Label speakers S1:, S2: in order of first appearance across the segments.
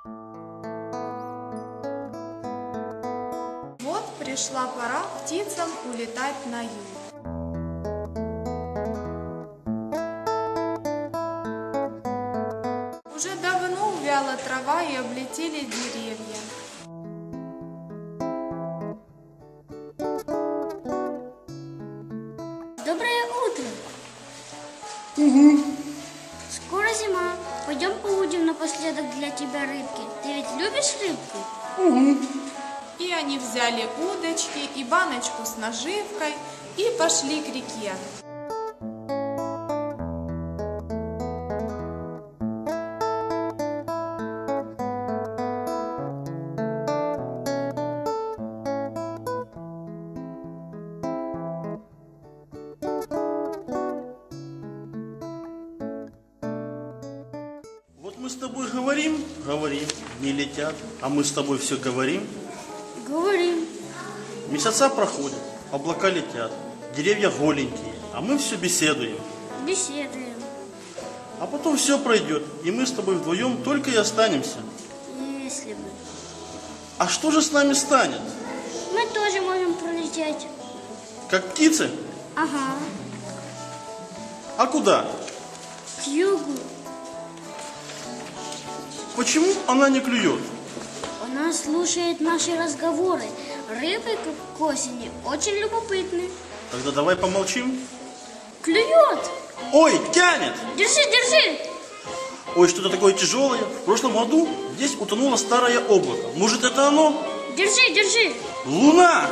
S1: Вот пришла пора птицам улетать на юг. Уже давно увяла трава и облетели деревья.
S2: Доброе утро.
S3: Угу.
S2: Скоро зима. Пойдем поудим напоследок для тебя рыбки. Ты ведь любишь рыбку?
S3: Угу.
S1: И они взяли удочки и баночку с наживкой и пошли к реке.
S3: Вот мы с тобой говорим, не летят, а мы с тобой все говорим.
S2: Говорим.
S3: Месяца проходят, облака летят, деревья голенькие, а мы все беседуем.
S2: Беседуем.
S3: А потом все пройдет, и мы с тобой вдвоем только и останемся.
S2: Если бы.
S3: А что же с нами станет?
S2: Мы тоже можем пролететь.
S3: Как птицы?
S2: Ага.
S3: А куда?
S2: К югу.
S3: Почему она не клюет?
S2: Она слушает наши разговоры. Рыбы к осени очень любопытны.
S3: Тогда давай помолчим.
S2: Клюет.
S3: Ой, тянет!
S2: Держи, держи.
S3: Ой, что-то такое тяжелое. В прошлом году здесь утонуло старое облако. Может, это оно?
S2: Держи, держи.
S3: Луна!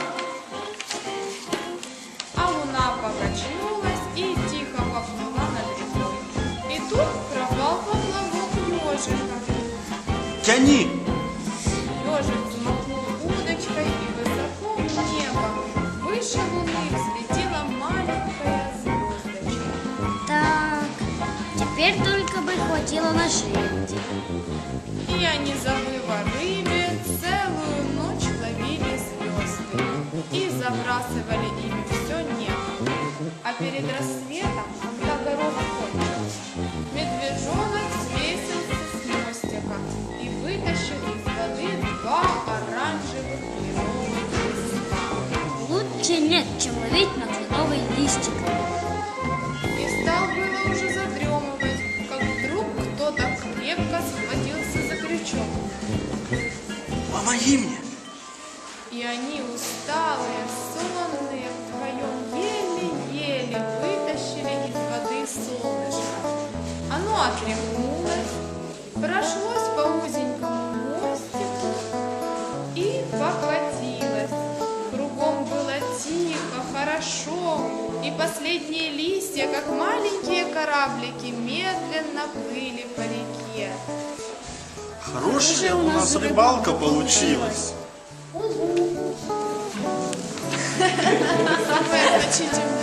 S1: А луна покачнулась и тихо поплыла над рекой. И тут пропал поплавок ежика.
S3: Тяни!
S1: Ежик взмахнул удочкой, и высоко в небо, выше луны, взлетела маленькая звездочка.
S2: Так, теперь только бы хватило наживки.
S1: И они, забыв о рыбе, целую ночь ловили звезды и забрасывали ими все небо. А перед рассветом, когда город кончился, медвежонок свесился с мостика и вытащил из воды два оранжевых кленовых листа.
S2: Лучше нет, чем ловить на кленовый листик.
S1: И стал было уже задремывать, как вдруг кто-то крепко схватился за крючок.
S3: Помоги мне!
S1: И они, усталые, сонные, вдвоем еле-еле вытащили из воды солнышко. Оно отряхнулось, прошлось по узенькому мостику и покатилось. Кругом было тихо, хорошо, и последние листья, как маленькие кораблики, медленно плыли по реке.
S3: Хорошая у нас рыбалка получилась.
S1: Самое значительное